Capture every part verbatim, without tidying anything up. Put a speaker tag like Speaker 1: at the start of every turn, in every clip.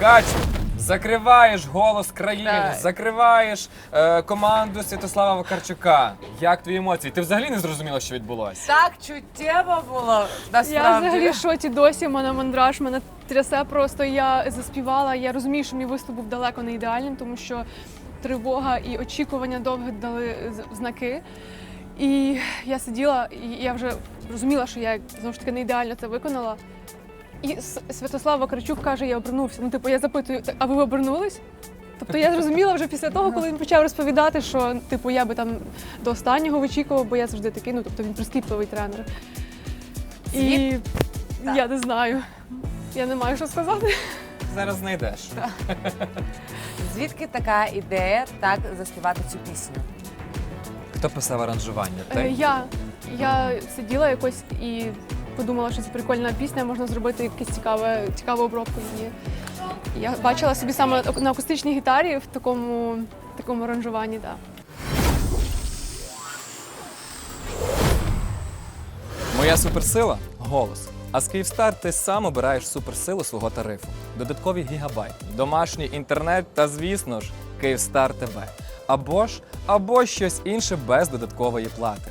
Speaker 1: Катю, закриваєш «Голос країни»,
Speaker 2: Так.
Speaker 1: закриваєш е, команду Святослава Вакарчука. Як твої емоції? Ти взагалі не зрозуміла, що відбулося?
Speaker 2: Так чуттєво було,
Speaker 3: Я
Speaker 2: насправді.
Speaker 3: взагалі в шоці досі, в мене мандраж, мене трясе просто. Я заспівала, я розумію, що мій виступ був далеко не ідеальним, тому що тривога і очікування довго дали з- знаки. І я сиділа, і я вже розуміла, що я знову ж таки не ідеально це виконала. І С- Святослав Вакарчук каже, я обернувся. Ну, типу, я запитую, а ви обернулись? Тобто я зрозуміла вже після того, коли він почав розповідати, що типу я би там до останнього вичікував, бо я завжди такий, ну тобто він прискіпливий тренер. І
Speaker 2: Звід-
Speaker 3: я не знаю. Я не маю що сказати.
Speaker 1: Зараз знайдеш.
Speaker 2: Звідки така ідея так заспівати цю пісню?
Speaker 1: Хто писав аранжування?
Speaker 3: Е,
Speaker 1: Ти?
Speaker 3: Я, я сиділа якось і подумала, що це прикольна пісня, можна зробити якусь цікаве, цікаву обробку її. Я бачила собі саме на акустичній гітарі в такому, такому аранжуванні. Да.
Speaker 1: Моя суперсила – голос. А з Київстар ти сам обираєш суперсилу свого тарифу. Додаткові гігабайти, домашній інтернет та, звісно ж, Київстар ТВ. Або ж, або щось інше без додаткової плати.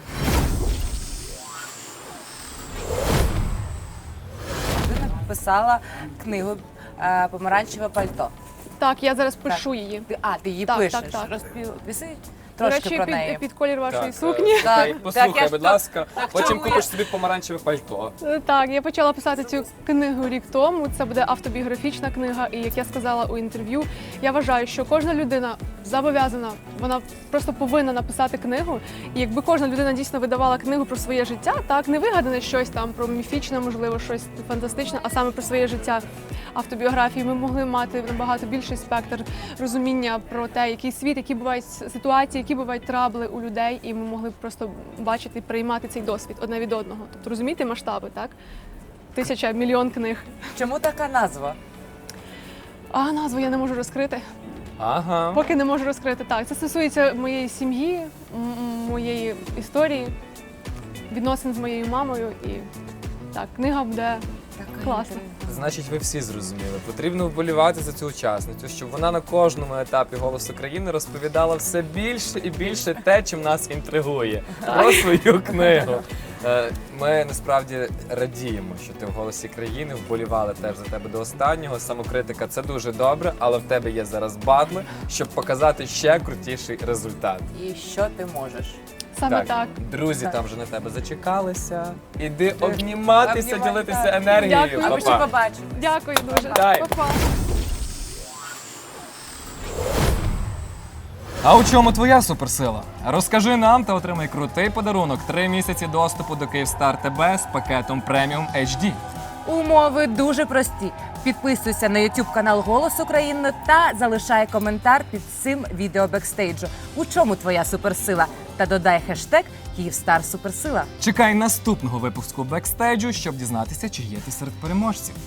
Speaker 2: Ти написала книгу е, «Помаранчеве пальто».
Speaker 3: Так, я зараз пишу її.
Speaker 2: Ти, а, ти її
Speaker 3: Так,
Speaker 2: пишеш.
Speaker 3: так, так.
Speaker 2: Розпіси
Speaker 3: До
Speaker 2: трошки
Speaker 3: речі,
Speaker 2: про
Speaker 3: під,
Speaker 2: неї.
Speaker 3: під колір вашої
Speaker 1: Так,
Speaker 3: сукні.
Speaker 1: е,
Speaker 2: Так,
Speaker 1: слухай,
Speaker 2: так,
Speaker 1: послухай,
Speaker 2: я ж
Speaker 1: будь
Speaker 2: так-
Speaker 1: ласка,
Speaker 2: так
Speaker 1: потім
Speaker 2: чому я-
Speaker 1: купиш собі помаранчеве пальто.
Speaker 3: Е, Так, я почала писати цю книгу рік тому. Це буде автобіографічна книга. І як я сказала у інтерв'ю, я вважаю, що кожна людина зобов'язана, вона просто повинна написати книгу. І якби кожна людина дійсно видавала книгу про своє життя, так не вигадане щось там про міфічне, можливо, щось фантастичне, а саме про своє життя. Автобіографії ми могли мати набагато більший спектр розуміння про те, який світ, які бувають ситуації, які бувають трабли у людей, і ми могли б просто бачити, приймати цей досвід одне від одного. Тобто розумієте масштаби, так? Тисяча, мільйон книг.
Speaker 2: Чому така назва?
Speaker 3: А назву я не можу розкрити.
Speaker 1: Ага.
Speaker 3: Поки не можу розкрити. Так, це стосується моєї сім'ї, м- м- моєї історії, відносин з моєю мамою. І так, книга буде
Speaker 2: Така
Speaker 3: класна.
Speaker 2: інтрига.
Speaker 1: Значить, ви всі зрозуміли. Потрібно вболівати за цю учасницю, щоб вона на кожному етапі «Голосу країни» розповідала все більше і більше те, чим нас інтригує, про свою книгу. Е, Ми насправді радіємо, що ти в «Голосі країни», вболівали теж за тебе до останнього. Самокритика – це дуже добре, але в тебе є зараз батли, щоб показати ще крутіший результат.
Speaker 2: І що ти можеш?
Speaker 3: саме так.
Speaker 1: Друзі
Speaker 2: Так.
Speaker 1: там вже на тебе зачекалися. Іди обніматися,
Speaker 2: Обнімати,
Speaker 1: ділитися
Speaker 2: так.
Speaker 1: енергією.
Speaker 3: Дякую.
Speaker 2: А ми ще
Speaker 1: Па-па.
Speaker 2: побачимо.
Speaker 3: Дякую дуже.
Speaker 1: Дай.
Speaker 3: Па-па.
Speaker 1: А у чому твоя суперсила? Розкажи нам та отримай крутий подарунок. Три місяці доступу до Київстар ТБ з пакетом преміум ейч ді.
Speaker 2: Умови дуже прості. Підписуйся на YouTube канал «Голос України» та залишай коментар під цим відео бекстейджу. У чому твоя суперсила? Та додай хештег «Київстар Суперсила».
Speaker 1: Чекай наступного випуску бекстейджу, щоб дізнатися, чи є ти серед переможців.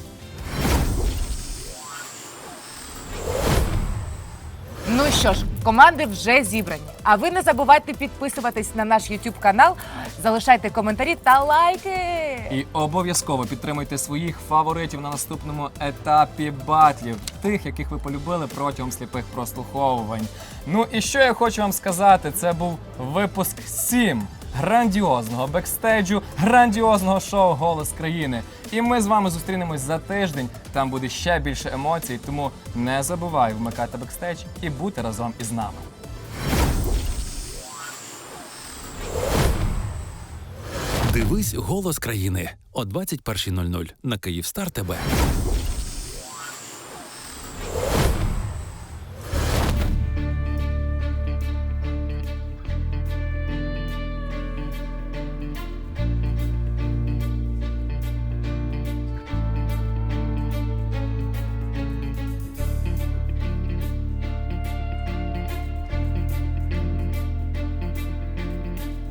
Speaker 2: Ну що ж, команди вже зібрані. А ви не забувайте підписуватись на наш YouTube канал, залишайте коментарі та лайки.
Speaker 1: І обов'язково підтримуйте своїх фаворитів на наступному етапі батлів, тих, яких ви полюбили протягом сліпих прослуховувань. Ну і що я хочу вам сказати, це був випуск сім грандіозного бекстейджу, грандіозного шоу «Голос країни». І ми з вами зустрінемось за тиждень, там буде ще більше емоцій, тому не забувай вмикати бекстейдж і бути разом із нами.
Speaker 4: Дивись «Голос країни» о двадцять першій нуль нуль на Київстар ТБ.